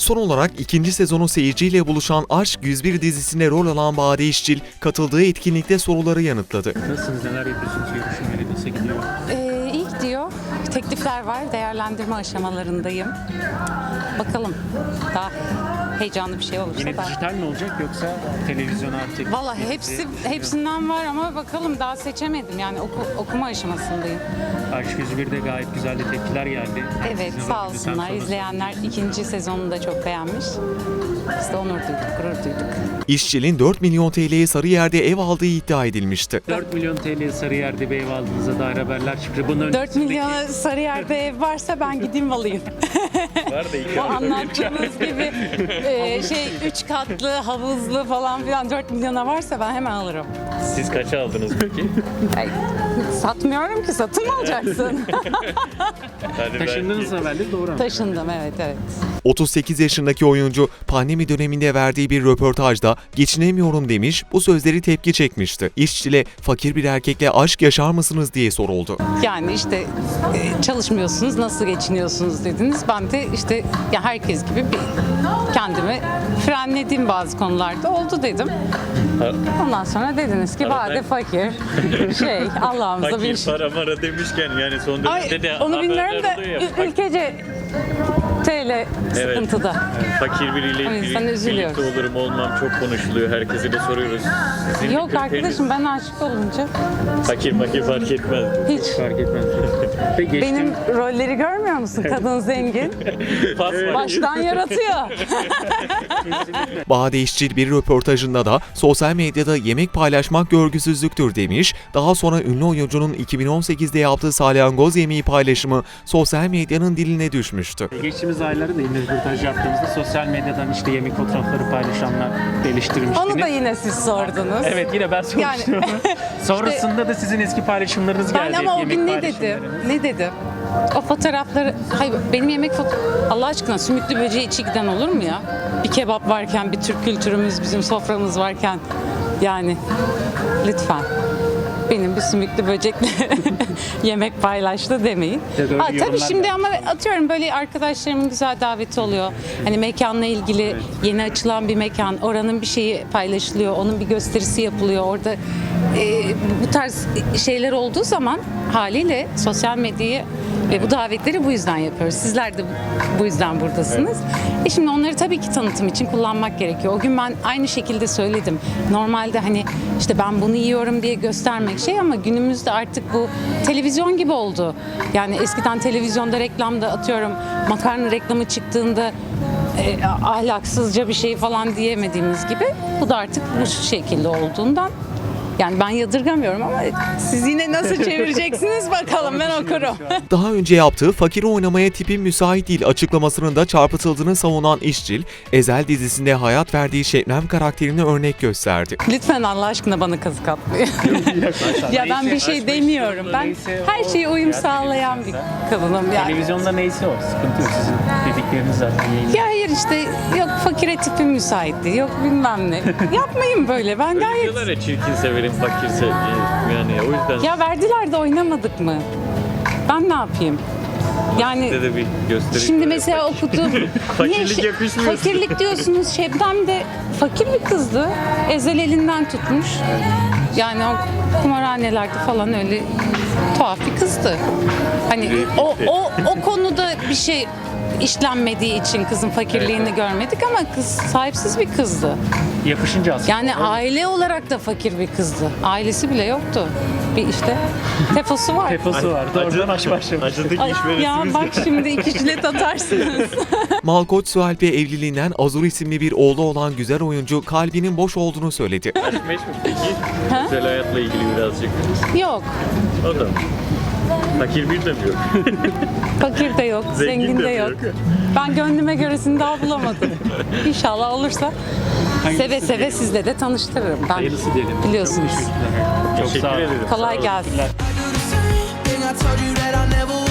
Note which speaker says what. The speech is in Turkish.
Speaker 1: Son olarak ikinci sezonu seyirciyle buluşan Aşk 101 dizisinde rol alan Bade İşçil, katıldığı etkinlikte soruları yanıtladı.
Speaker 2: Nasılsınız, neler yapıyorsunuz, görüşmeleri nasıl gidiyor?
Speaker 3: İyi gidiyor. Teklifler var. Değerlendirme aşamalarındayım. Bakalım. Daha heyecanlı bir şey olursa
Speaker 2: Yine
Speaker 3: da.
Speaker 2: dijital mi olacak yoksa televizyon artık?
Speaker 3: Valla hepsinden var ama bakalım daha seçemedim. Yani okuma aşamasındayım.
Speaker 2: Aşk 101'de gayet güzel de tepkiler geldi.
Speaker 3: Evet,
Speaker 2: Sizin
Speaker 3: sağ
Speaker 2: diziden
Speaker 3: olsunlar.
Speaker 2: sonra-
Speaker 3: İzleyenler ikinci sezonunu da çok beğenmiş. Biz de onur duyduk, gurur duyduk.
Speaker 1: İşçil'in 4 milyon TL'ye Sarıyer'de ev aldığı iddia edilmişti.
Speaker 2: 4 milyon TL Sarıyer'de bir ev aldığınıza dair haberler çıktı. Bunun
Speaker 3: 4 milyona Sarıyer'de ev varsa ben gideyim alayım.
Speaker 2: var da iki
Speaker 3: O anlattığınız gibi 3 katlı, havuzlu falan filan 4 milyona varsa ben hemen alırım.
Speaker 4: Siz kaça aldınız peki?
Speaker 3: Ay, satmıyorum ki, satın mı alacaksın?
Speaker 4: Hadi
Speaker 2: Taşındığınız haberleri doğru mu?
Speaker 3: Taşındım, evet.
Speaker 1: 38 yaşındaki oyuncu pandemi döneminde verdiği bir röportajda geçinemiyorum demiş, bu sözleri tepki çekmişti. İşçil'e fakir bir erkekle aşk yaşar mısınız diye soruldu.
Speaker 3: Yani işte çalışmıyorsunuz, nasıl geçiniyorsunuz dediniz. Ben de işte ya herkes gibi kendimi frenledim bazı konularda, oldu dedim. Ondan sonra dediniz ki Bade fakir. Allah'ımıza bir
Speaker 4: Fakir para mara demişken yani son
Speaker 3: Ay,
Speaker 4: dönemde de
Speaker 3: onu bilmiyorum da
Speaker 4: haberler oluyor ya.
Speaker 3: ülkece TL sıkıntıda.
Speaker 4: Fakir biriyle
Speaker 3: O yüzden üzülüyoruz.
Speaker 4: birlikte olurum olmam çok konuşuluyor. Herkese de soruyoruz. Sizin
Speaker 3: Yok
Speaker 4: kriteriniz-
Speaker 3: arkadaşım, ben aşık olunca
Speaker 4: Fakir fark etmez.
Speaker 3: hiç.
Speaker 2: Fark etmez. Peki
Speaker 3: Benim rolleri görmüyor musun? Kadın zengin.
Speaker 4: Pas var.
Speaker 3: Baştan yaratıyor.
Speaker 1: Bade İşçil bir röportajında da sosyal medyada yemek paylaşmak görgüsüzlüktür demiş, daha sonra ünlü oyuncunun 2018'de yaptığı salyangoz yemeği paylaşımı sosyal medyanın diline düşmüştü.
Speaker 2: geçtiğimiz aylarda da yine röportaj yaptığımızda sosyal medyadan işte yemek fotoğrafları paylaşanlar eleştirmiştiniz.
Speaker 3: Onu da yine siz sordunuz.
Speaker 2: Evet, yine ben sormuştum.
Speaker 3: Yani-
Speaker 2: Sonrasında da sizin eski paylaşımlarınız geldi.
Speaker 3: Ben ama o
Speaker 2: yemek
Speaker 3: gün ne
Speaker 2: paylaşımları.
Speaker 3: dedim? Ne dedim? O fotoğrafları, hayır benim yemek Allah aşkına sümüklü böceği içi giden olur mu ya? Bir kebap varken, bir Türk kültürümüz, bizim soframız varken yani lütfen. Benim bir sümüklü böcekle yemek paylaştı demeyin.
Speaker 2: Ya da öyle
Speaker 3: Tabii
Speaker 2: yorumlar
Speaker 3: şimdi
Speaker 2: da-
Speaker 3: ama atıyorum böyle arkadaşlarımın güzel daveti oluyor. Hani mekanla ilgili yeni açılan bir mekan, oranın bir şeyi paylaşılıyor, onun bir gösterisi yapılıyor. Orada bu tarz şeyler olduğu zaman haliyle sosyal medyayı ve bu davetleri bu yüzden yapıyoruz. Sizler de bu yüzden buradasınız. Şimdi onları tabii ki tanıtım için kullanmak gerekiyor. O gün ben aynı şekilde söyledim. Normalde hani işte ben bunu yiyorum diye göstermek ama günümüzde artık bu televizyon gibi oldu. Yani eskiden televizyonda reklamda atıyorum makarna reklamı çıktığında ahlaksızca bir şey falan diyemediğimiz gibi bu da artık bu şekilde olduğundan yani ben yadırgamıyorum ama siz yine nasıl çevireceksiniz bakalım, ben okurum.
Speaker 1: Daha önce yaptığı fakir oynamaya tipim müsait değil açıklamasının da çarpıtıldığını savunan İşçil, Ezel dizisinde hayat verdiği Şebnem karakterini örnek gösterdi.
Speaker 3: Lütfen Allah aşkına bana kazık atmayın. Ya ben bir şey demiyorum. Ben her şeye uyum sağlayan bir kadınım yani.
Speaker 2: Televizyonda neyse o. Sıkıntı yok. Sizin dedikleriniz zaten yayın.
Speaker 3: Ya hayır işte yok fakire tipim müsait değil, yok bilmem ne. Yapmayın böyle, ben
Speaker 4: Öyle
Speaker 3: gayet...
Speaker 4: diyorlar ya çirkin severim fakir severim. Yani o yüzden
Speaker 3: Ya verdiler de oynamadık mı? Ben ne yapayım? Yani
Speaker 4: size de bir göstereyim.
Speaker 3: şimdi mesela okuduğum...
Speaker 4: Fakirlik
Speaker 3: Niye
Speaker 4: yakışmıyor size.
Speaker 3: Fakirlik diyorsunuz, Şebnem de fakir bir kızdı. Ezel elinden tutmuş. Yani o kumarhanelerde falan öyle tuhaf bir kızdı. Hani o konuda bir şey işlenmediği için kızın fakirliğini görmedik ama kız sahipsiz bir kızdı.
Speaker 2: Yapışınca aslında.
Speaker 3: Yani aile olarak da fakir bir kızdı. Ailesi bile yoktu. Bir işte tefosu var.
Speaker 2: Teposu var. Doğrudan aşk başlamış.
Speaker 4: Acıdık
Speaker 3: Ay,
Speaker 4: iş
Speaker 3: ya
Speaker 4: veresiniz.
Speaker 3: bak şimdi iki jilet atarsınız.
Speaker 1: Malkoç Sualp evliliğinden Azur isimli bir oğlu olan güzel oyuncu kalbinin boş olduğunu söyledi.
Speaker 4: Aşk meşhur peki. Özel hayatla ilgili birazcık.
Speaker 3: Yok.
Speaker 4: O da. Fakir bir de mi yok?
Speaker 3: Fakir de yok, zengin de yok.
Speaker 4: yok.
Speaker 3: Ben gönlüme göresini daha bulamadım. İnşallah olursa seve seve sizle de tanıştırırım. Ben
Speaker 2: Hayırlısı diyelim.
Speaker 3: biliyorsunuz.
Speaker 2: Çok sağ
Speaker 4: Teşekkür
Speaker 2: olun.
Speaker 4: ederim.
Speaker 3: Kolay gelsin.
Speaker 5: I do the same thing I told you that I never